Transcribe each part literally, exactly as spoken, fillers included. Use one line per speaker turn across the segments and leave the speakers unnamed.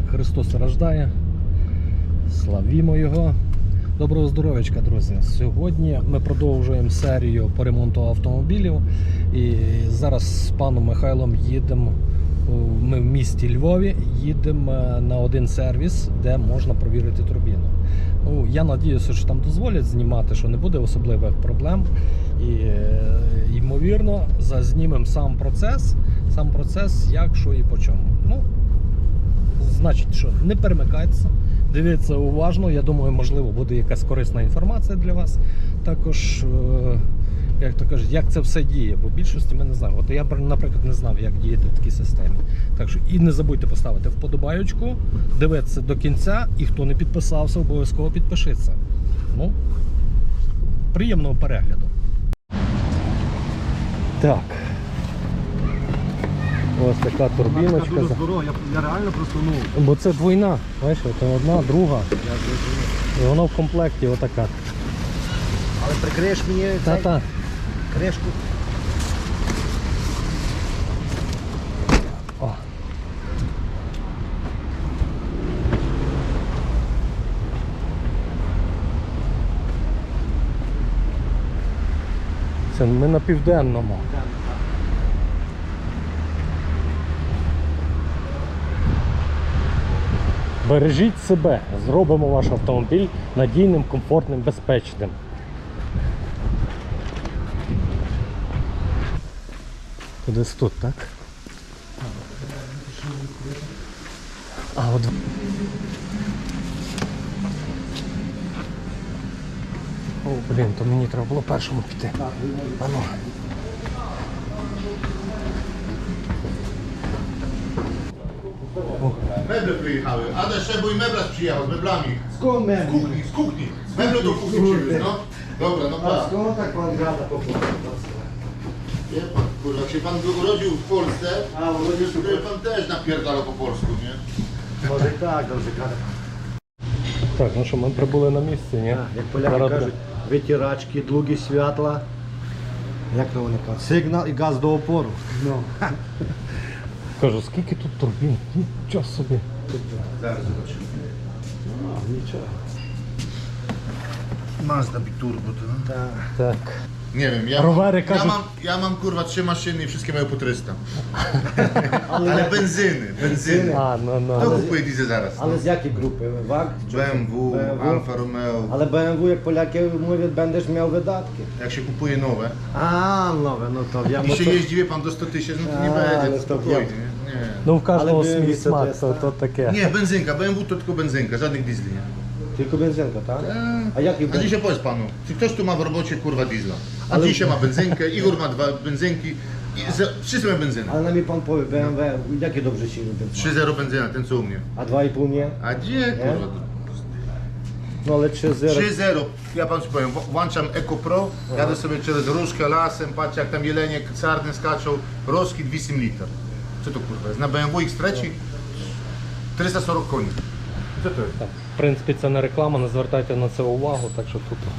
Христос рождає, славімо Його. Доброго здоров'ячка, друзі! Сьогодні ми продовжуємо серію по ремонту автомобілів. І зараз з паном Михайлом їдемо, ми в місті Львові, їдемо на один сервіс, де можна провірити турбіну. Ну, я сподіваюся, що там дозволять знімати, що не буде особливих проблем. І, ймовірно, зазнімемо сам процес, сам процес, як, що і по чому. Ну, значить, що не перемикайтеся, дивіться уважно. Я думаю, можливо, буде якась корисна інформація для вас. Також, як то кажуть, як це все діє, бо в більшості ми не знаємо. От я, наприклад, не знав, як діяти в такій системі. Так що і не забудьте поставити вподобайочку, дивитися до кінця, і хто не підписався, обов'язково підпишіться. Ну, приємного перегляду. Так. Ось така турбіночка.
Дуже здорово, я, я реально просто, ну...
Бо це двойна, бачиш, це одна, друга. І воно в комплекті отака.
Але прикриєш мені
Та-та.
кришку.
О. Це ми на південному. Бережіть себе, зробимо ваш автомобіль надійним, комфортним, безпечним. Кудись тут, так? А, от... О, блін, то мені треба було першому піти. Ану.
Meble przyjechały. Adaś Szebo i Meblarz przyjechał z meblami.
Skąd
Z
mebli?
kuchni, z kuchni. Meble do kuchni przywiózł, no. Dobra, no
A
tak.
skąd tak pan gada po polsku?
Wie pan, kurwa, jak się pan urodził w Polsce,
A, urodził się
to pan też napierdalał po polsku, nie?
Może i tak, dobrze gada.
Так, ну що, ми прибули на місці, ні?
Так, як поляки
Зараз
кажуть, витирачки, другі святла. Як то вони кажуть? Сигнал і газ до опору. Ну.
кажу, скільки тут турбін? Нічого собі.
Zaraz zobaczymy.
А, нічого.
Mazda Biturbo to, no.
Так.
Так.
Nie wiem, ja,
Rowery
mam, ja,
każą-
mam, ja mam kurwa trzy maszyny i wszystkie mają po trzysta. Ale benzyny, benzyny.
А, ну,
Kto
ну.
kupuje diesel zaraz? No?
Але з якої групи? ВАГ? Чи-
B M W,
Б М В?
Alfa Romeo.
Але Б М В, як поляки mówią, będziesz miał wydatki.
Jak się kupuje nowe
А, нове, ну то я
i się jeździ, wie pan, do sto tysięcy, no to nie
A,
będzie,
ale
to
to
spokojnie,
wiem.
nie? Nie.
Ну, в кожного
Але
свій
дивіться,
смак,
то
то,
є
то таке.
Nie, benzynka, B M W to tylko benzynka, żadnych diesli, nie?
Tylko benzynka, tak?
Eee,
A jaki
A dzisiaj powiedz panu, czy ktoś tu ma w robocie kurwa diesla? A
Ale-
dzisiaj ma benzynkę, Igor ma dwa benzynki, i za, wszyscy mają benzynę.
Ale na mi pan powie, B M W, jakie dobrze się lubią?
trzy zero benzyna, ten co u mnie.
A dwa i pół nie?
A gdzie kurwa?
No ale trzy zero.
trzy zero, ja panu ci powiem, w- włączam Eco Pro, jadę sobie przez różkę lasem, patrzę jak tam jelenie czarne skaczą, rożki dwieście litrów. Co to kurwa jest? Na B M W X trzy trzysta czterdzieści koni. Co to jest?
Так, в принципі, це не реклама, не звертайте на це увагу, так що тут.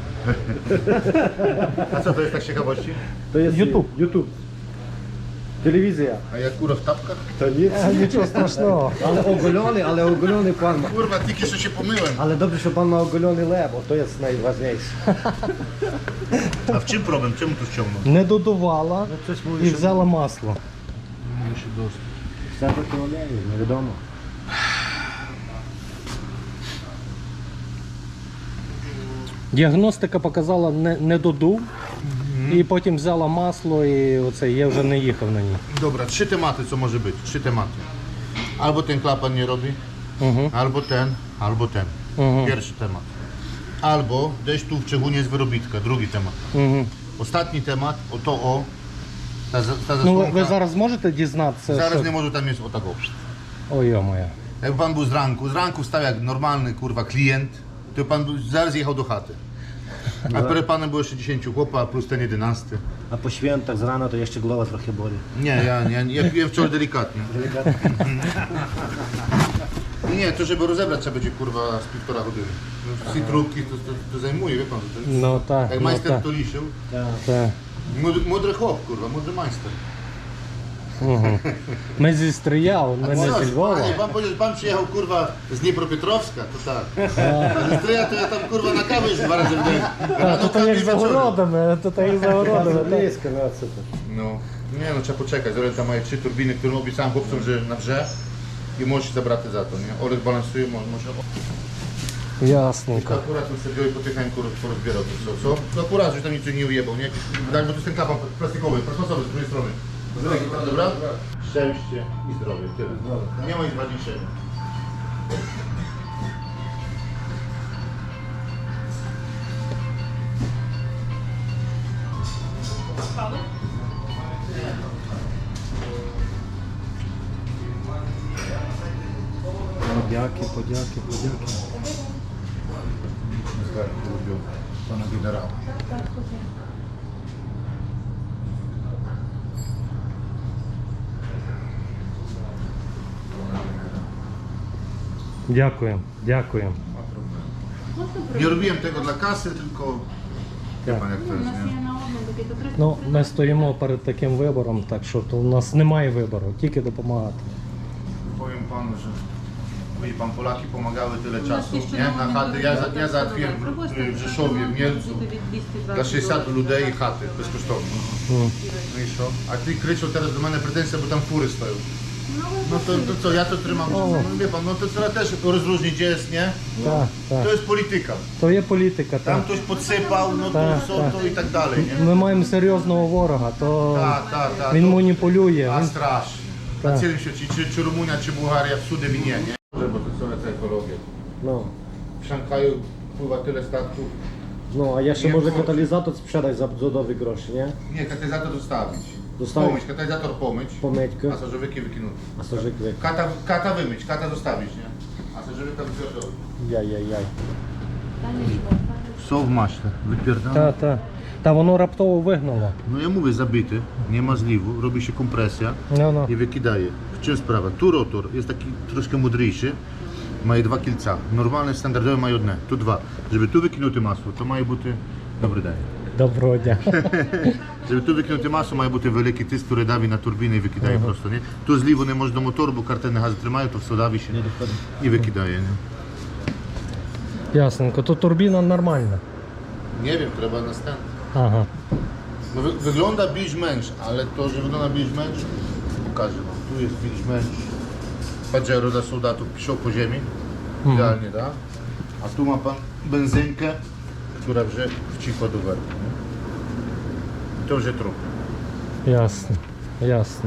A co to jest tak z ciekawości?
To jest
YouTube.
YouTube. Telewizja.
A jak kurwa w tapkach?
To nic.
Нічого страшного.
Ale ogolony, ale ogolony pan ma.
Kurwa, tylko że się pomyłem.
Ale dobrze, że pan ma ogolony lep, bo to jest najważniejsze.
A w czym problem? Czemu tu ściągnął?
Не додувала
No coś
і
mówisz, że...
взяла масло.
Musi dostać.
Все таки олею, не відомо.
Діагностика показала не, не додув, і потім взяла масло і оце, я вже не їхав на ній.
Dobra, trzy tematy co może być, trzy tematy. Albo ten klapan nie robi,
Угу.
albo ten, albo ten.
Mhm.
Pierwszy temat. Albo gdzieś tu w Czechunie jest wyrobitka, drugi temat.
Угу.
Ostatni temat, o to o, ta, za- ta
Ну, ви,
zasłonka,
ви зараз зможете дізнатися?
zaraz
що-
nie może tam jest o tak o.
Ой, йо-моє.
Jakby pan był z ranku, z ranku wstał jak normalny kurwa klient, to pan by zaraz jechał do chaty. A przed panem było jeszcze dziesięciu chłopa plus ten jedenasty.
A po świętach z rana to jeszcze głowa trochę boli.
Nie, ja, ja, ja piłem wczoraj delikatnie. Nie, to żeby rozebrać trzeba będzie kurwa z półtora godziny. No, cytrówki to, to, to zajmuje, wie pan. To jest,
No tak,
jak
no
majster
tak.
to liszył.
Tak.
Так.
Młody, młody chłop, kurwa, młody majster.
Угу. Ми зі Стрия, ми не
Coś,
зі Львова.
panie, pan powiedział, że pan przyjechał kurwa z Dniepropietrowska, to tak. A ze Stryja to ja tam kurwa na kawę już dwa razy w dzień.
А,
Rano
тут
kawy
як
i
за
wieczorem.
городами, тут як за городами. так.
Близко, no co to?
No, nie no, trzeba poczekać. Zobacz, tam mają trzy turbiny, które obiecałem chłopcom, że na wrze i możesz zabrać za to, nie? Olek balansuje, mo- może...
Ясненько.
Akurat on sobie wziął i po tych porozbierał to co, co? No akurat, że tam nic nie ujebał, nie? Daj, bo to jest ten klapan plastikowy, plastmasowy z drugiej strony. Dobra? Szczęście i zdrowie, tyle. Nie ma nic ważniejszego.
Подяки, подяки, подяки.
Zgarnął, lubią pana generała.
Дякуємо, дякуємо.
Nie robiłem tego dla kasy, tylko wie pan jak to
У
jest,
нас
nie?
є на обмін такий, то тридцять
Ну, ми стоїмо перед таким вибором, так що то у нас немає вибору, тільки допомагати.
Powiem panu, że wie pan, Polaki pomagały tyle
У нас
czasu,
є ще
nie?
на
Na
обмін
chaty. Ja, za- ja
до
załatwiłem
Пробачте,
w, w Rzeszowie, w Mielcu
буде від двісті
dla
двадцять
sześćset
доларів.
ludzi chaty bezkosztownie.
М.
No i co? A ty Kryczo teraz do mnie pretensje, bo tam fury stoją. No to, to co, ja to trzymam, no wie pan, no to trzeba też rozróżnić, gdzie jest, nie?
Так, так.
To jest polityka.
То є політика,
Tam
так.
ktoś podsypał, no to
Tak,
co,
tak.
to i tak dalej, nie?
Ми маємо серйозного ворога, то
Tak, tak, tak.
він
to-
маніпулює.
A
Він...
strasznie.
Tak.
Na całym świecie, czy, czy Rumunia, czy Bułgaria w cudy winie, nie? Bo to co jest ekologia.
No.
W Szanghaju pływa tyle statków.
No, a jeszcze
Nie
może
wchodzi.
katalizator sprzedać za dodatkowy grosz, nie?
Nie, katalizator zostawić.
Zostawić.
Pomyć, katalizator pomyć.
Pomyćkę.
A sożowyki wykinuty.
A co żegły?
Kata, kata wymyć, kata zostawić, nie? A sożowyka wypierdolić.
Jaj, jaj, jaj.
Та нічого, та
Są w maśle, wypierdolone.
Та, та. Та воно раптово вигнало.
No ja mówię, zabity, nie ma zliwu, robi się kompresja
Ну, ну.
i wykidaje. W czym sprawa? Tu rotor jest taki troszkę mądrzejszy, ma dwa kilca. Normalne, standardowe mają jedne, tu dwa. Żeby tu wykinuty masło, to mają buty, dobry daj.
Доброго дня.
Żeby tu wykinuty masło, mają buty wielki tysk, który dawi na turbinę i wykidaje prosto, nie? Tu zliwu nie może do motoru, bo kartenne gazy trzymają, to все dawi się i wykidaje, nie?
Ясненько. То турбіна нормальна.
Nie wiem, trzeba następny.
Ага.
No, wy, wygląda bić męcz, ale to, że wygląda bić męcz, pokażę wam. Tu jest bić męcz Pajero dla soldatów, piszą po ziemi, idealnie, da? A tu ma pan benzynkę, która wrze wcichła do werki, nie? I to wrze trup.
Ясно. Ясно.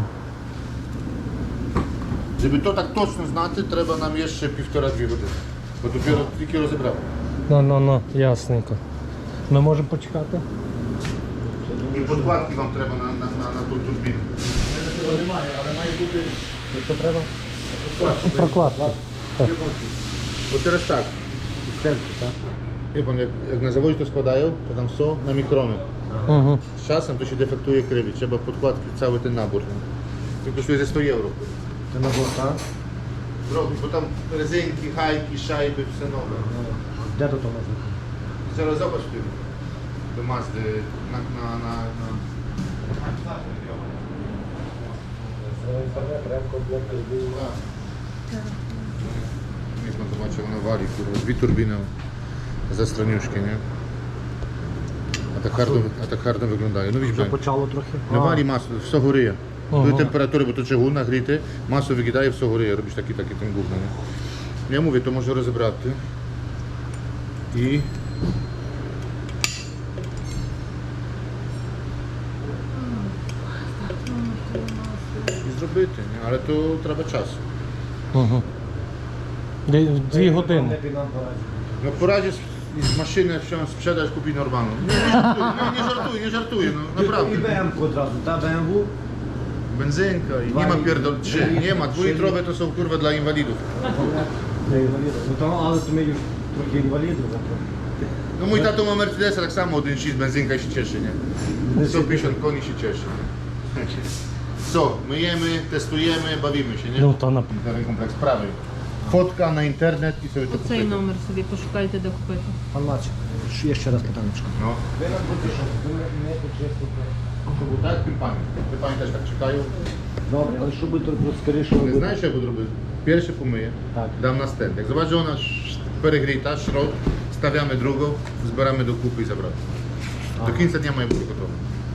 Żeby to tak точно znać, trzeba nam jeszcze półtora dwie godziny, bo dopiero tільки rozebrałem.
Ну, ну, ну, ясненько. Ми можемо почекати?
I podkładki wam trzeba na, na, na, na tą turbinę.
Що треба? Прокладки.
Bo teraz tak, wie pan, jak, jak na zawodzie to składają, to tam są na mikrony.
Угу.
Z czasem to się defektuje krywy, trzeba podkładki, cały ten nabór. To kosztuje ze sto euro.
Ten nabór, tak?
Robi, bo tam rezynki, hajki, szajby, wszystko nowe.
Gdzie to to można?
Zaraz zobacz w tym, do Mazdy, na, na, na, na... Niech pan zobaczy, ona wali, kurwa, dwie turbiny za stroniuszki, nie? A tak hardo, a tak hardo wyglądają, no widzisz,
Започало трохи.
no wali masło, все горіє.
Ага.
Do temperatury, bo to czegół nagryty, masło wygidaje, все горіє, robisz taki, taki ten gówno, nie? Ja mówię, to może rozebrати. I... I zробити, nie? Ale to trzeba czasu.
Угу. Дві години.
No poradzie z, z maszyny wziąć, sprzedać, kupić normalną. Nie, nie żartuję, nie, nie żartuję, nie żartuję, no naprawdę.
I Б М od razu, ta B M W?
Benzynka i nie ma pierdol, trzy, nie ma, dwulitrowe to są kurwa dla inwalidów.
Для інвалідів. Ну там, але то ми już трохи інвалідів завтра.
No mój tato ma Mercedesa, tak samo jeden sześć benzynka i się cieszy, nie? sto pięćdziesiąt koni się cieszy. Co, myjemy, testujemy, bawimy się, nie?
Ну, то на...
Ten kompleks prawy. Fotka na internet i sobie to
Оцей
kupujemy.
номер собі пошукайте, де купити.
Пан Лачик, ще раз питанечко.
No.
Ви нам будете що? Ви не почистите
То був так, тюльпани. Тюльпани теж так чекаю.
Добре, але що буде трохи скоріше
Не
робити?
знаєш, що я буду робити? Перше помию,
Так.
дам на стенд. Як zobaczę, вона ш- перегріта, шрот, ставимо другу, збираємо докупи і забрати. До кінця дня має бути готово.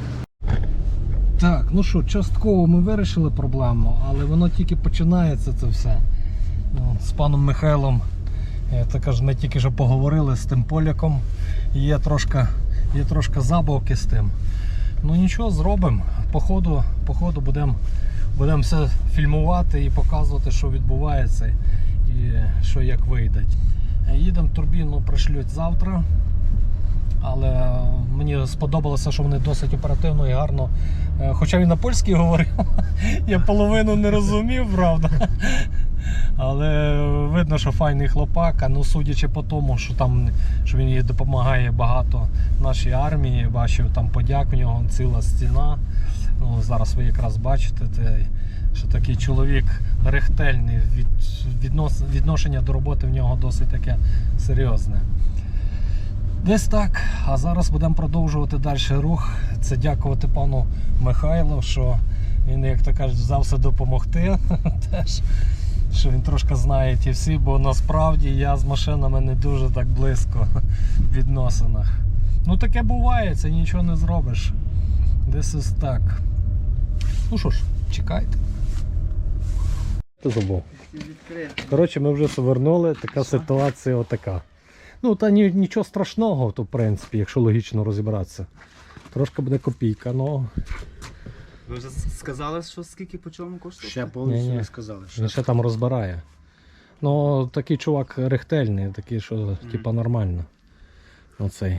Так, ну що, частково ми вирішили проблему, але воно тільки починається це все. Ну, з паном Михайлом, я так кажу, ми тільки що поговорили з тим поляком. Є трошки, є трошки забавки з тим. Ну нічого, зробимо. По ходу, по ходу будемо будем все фільмувати і показувати, що відбувається і що як вийде. Їдемо, турбіну пришлють завтра. Але мені сподобалося, що вони досить оперативно і гарно. Е, Хоча він на польській говорив, я половину не розумів, правда. Але видно, що файний хлопак, а ну судячи по тому, що там що він їй допомагає багато нашій армії, бачив там подяк в нього ціла стіна. Ну, зараз ви якраз бачите, те, що такий чоловік рехтельний, від, віднос, відношення до роботи в нього досить таке серйозне. Десь так, а зараз будемо продовжувати далі рух. Це дякувати пану Михайлу, що він, як то кажуть, взявся допомогти. Теж, що він трошки знає ті всі, бо насправді я з машинами не дуже так близько в відносинах. Ну таке буває, це нічого не зробиш. Десь ось так. Ну що ж, чекайте. Ти забув. Коротше, ми вже повернули, така ситуація отака. Ну, та ні, нічого страшного, то в принципі, якщо логічно розібратися. Трошки буде копійка, ну.
Ви вже сказали, що скільки по чому коштує?
Ще повністю
Ні-ні.
не сказали. Ще.
Він ще там розбирає. Ну, такий чувак рехтельний, такий, що mm. типа нормально. Оцей.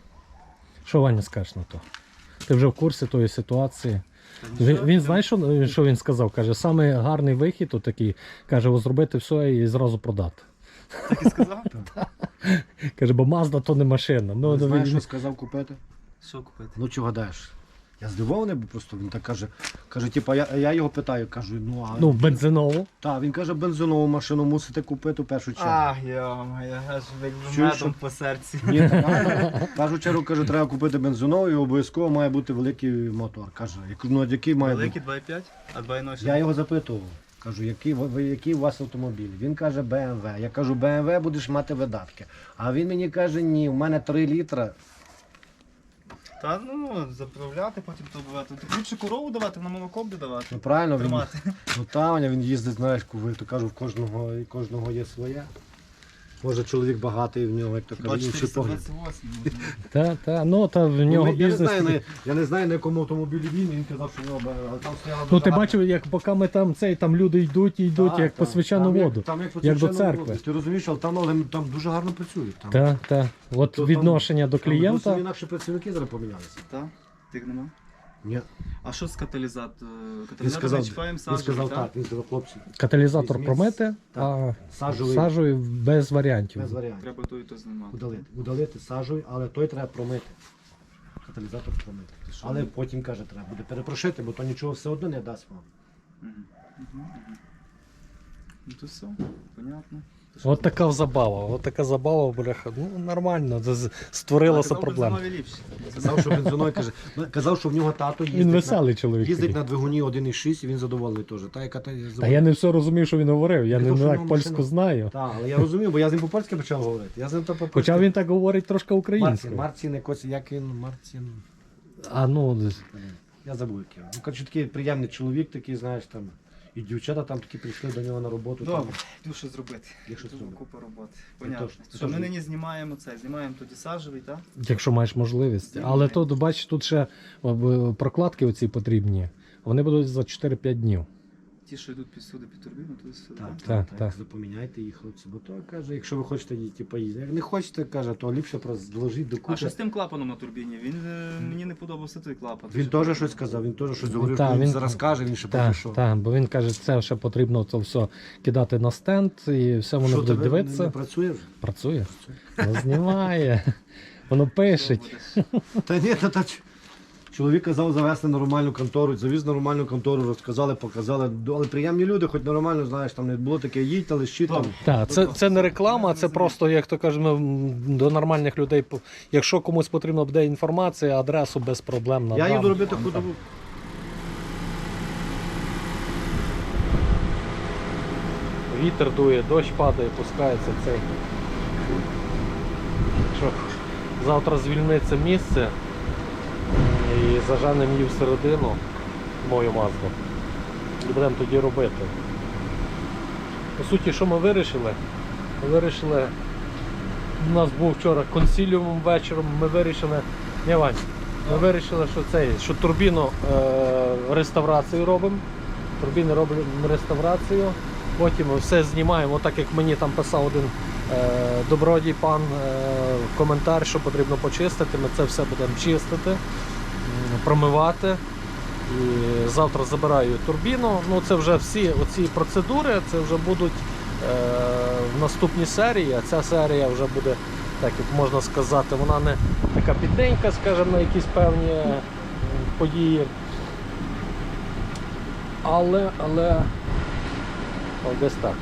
Що Ваня скажеш на то? Ти вже в курсі тої ситуації. Він, він знає, що, що він сказав? Каже, саме гарний вихід такий, каже, зробити все і зразу продати.
Так і сказав?
Каже, бо Mazda то не машина. Ну,
Не
ну,
знаєш,
він-
що сказав купити?
Що купити?
Ну чого гадаєш? Я здивований, бо просто він так каже. Каже, типа, я, я його питаю, кажу, ну а.
ну бензинову.
Так, він каже, бензинову машину мусите купити в першу чергу.
Ах, йома, я аж
Чуєш,
медом
що-
по серці.
Ні, так, а, в першу чергу каже, треба купити бензинову і обов'язково має бути великий мотор. Каже, я кажу, ну а який має бути?
Великий два і п'ять, а два і ноль.
Я його запитував. Кажу, який, ви- ви- який у вас автомобіль? Він каже, Б М В. Я кажу, Б М В будеш мати видатки. А він мені каже, ні, у мене три літра.
Та ну, заправляти, потім то бувати. Ти ліпше корову давати, на молоко буде давати.
Ну правильно, він,
Тримати.
ну Таня, він їздить, знаєш, куви, то кажу, в кожного, і кожного є своє. Може чоловік багатий, в нього, як то
Хіба
кажуть, інший погляд.
чотириста двадцять восьм.
Та, та, ну, та в нього
Ну, я, не
бізнес.
знаю, на, я не знаю, на якому автомобілі він, він казав, що в нього Б М В, але там стояла
Ну
дуже
ти
гарна-
бачив, як поки ми там цей, там люди йдуть і йдуть,
Так,
як по
так.
свячену
Там як-
воду.
Там як, по
як до
свячену
церкви.
воду. Ти розумієш, але там, але там дуже гарно працюють. Там.
Та, та. От
То
відношення до
Там
клієнта.
зовсім інакше працівники зараз помінялися.
Так? Тих нема?
Ні.
А що з каталізатором?
Він
Каталізатор
сказав,
ми чіпаємо
він
саджу,
сказав
так?
так, він сказав, хлопці,
Каталізатор
Візьміть.
промити,
Так.
а
сажовий,
сажею без варіантів.
без варіантів.
Треба то і то знімати.
Удалити. Удалити сажовий, але той треба промити. Каталізатор промити.
що?
Але потім, каже, треба буде перепрошити, бо то нічого все одно не дасть вам.
Мгм. Мгм, мгм. Ну то все, понятно. То що
От така забава, от така забава, бляха. Ну нормально, це з- створилася
казав,
проблема.
бензинові ліпші.
Казав, що бензиной, каже, ну, казав, що в нього тато їздить,
Він
на,
веселий чоловік.
їздить
такий.
на двигуні один і шість і він задоволений теж. Та, яка, та,
Та я не все розумів, що він говорив. Я
Не
не,
то, що
не
в
так
нього
польську
машина.
знаю.
Так, але я розумів, бо я з ним по-польськи почав говорити. Я з ним то по-польськи.
Хоча він так говорить трошки
Марцін,
українською.
Марцін, якось, як він, Марцін.
А ну, десь.
Я забув як його. Ну, коротше, такий приємний чоловік, такий, знаєш, там. І дівчата там такі прийшли до нього на роботу.
Добре,
Там.
йду що зробити.
Є що
Дуже
зробити.
купа роботи.
Це
Понятно.
точно, це
Що ми
точно.
нині знімаємо це, знімаємо тоді сажевий, так?
Якщо маєш можливість. Але тут, бачиш, тут ще о, б- прокладки оці потрібні. Вони будуть за чотири-п'ять днів.
Ті, що йдуть під сюди, під турбіну, то сюди.
Так,
Так,
так,
так.
так. Запоміняйте їх, хлопці. Бо то каже, якщо ви хочете типу, їздити. Як не хочете, каже, то ліпше просто зложіть до
А
кучі.
що з тим клапаном на турбіні? Він е, мені не подобався той клапан.
Він теж щось сказав, він теж щось говорив,
Та,
що він,
він-
зараз каже, він ще поки
Так,
що.
так, бо він каже, це ще потрібно це все кидати на стенд і все воно
Що
буде
тебе
дивитися.
не, не працює вже?
Працює. Ну, знімає. Воно пише.
Та ні, та, та, ч- Чоловік казав завести нормальну контору, завіз нормальну контору, розказали, показали. Але приємні люди, хоч нормально, знаєш, там не було таке, їдьте, лишіть там.
Так, це, це не реклама, це просто, як то кажемо, до нормальних людей. Якщо комусь потрібна буде інформація, адресу без проблем надам.
Я їду робити худобу.
Вітер дує, дощ падає, пускається цей. Що, завтра звільниться місце і заженемо її всередину, мою мазду. І будемо тоді робити. По суті, що ми вирішили? Ми вирішили, у нас був вчора консиліум вечором, ми вирішили, не Вань, ми вирішили, що цей, що турбіну е, реставрацію робимо. Турбіни робимо реставрацію. Потім ми все знімаємо, так як мені там писав один е, добродій пан е, коментар, що потрібно почистити. Ми це все будемо чистити, м, промивати. І завтра забираю турбіну. Ну, це вже всі оці процедури, це вже будуть е, в наступній серії. А ця серія вже буде, так як можна сказати, вона не така підненька, скажімо, на якісь певні м, події. Але, але... О, десь так.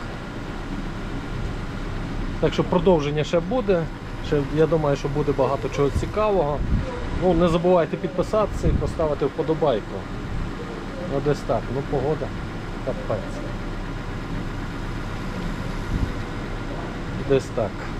Так що продовження ще буде. Ще, я думаю, що буде багато чого цікавого. Ну, не забувайте підписатися і поставити вподобайку. Ну, десь так. Ну, погода. Капець. Десь так.